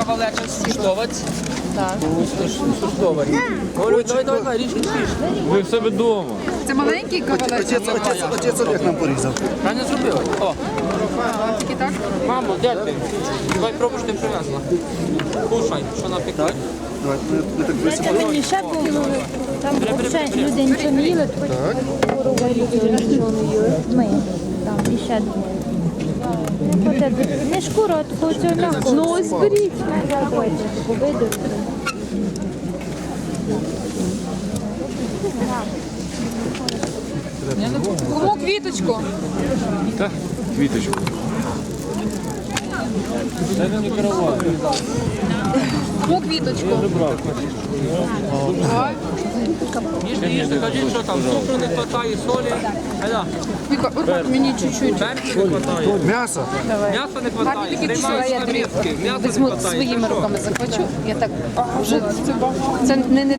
кавалеча скуштовать. Так. Скуштовать. Говорю, давай, ріж. Ви в себе вдома. Це маленький кавалець? Отець Олег нам порізав. Правильно зробила? О, Тільки так? мамо, дядь ти. Давай пробуй, що ти привезла. Кушай, що напекла. Давай, ми так висипали. Це мені ще було, там взагалі люди нічого не їли, хоч короварі нічого не їли. Ми там і ще двоє. Не шкуру, а такого цього м'якого. Ну ось беріть. Давайте, виду. Кому квіточку? Так, квіточку. Це не караван. Кому квіточку? Їжте, кажіть, що там, цукру не вистачає, солі. Айда, Віка, урвать мені чуть-чуть. перцю не вистачає. М'ясо. М'яса не Так, вистачає. тільки Приймаю я з тарілки. М'яса не візьму вистачає. своїми руками захвачу. Я так вже це не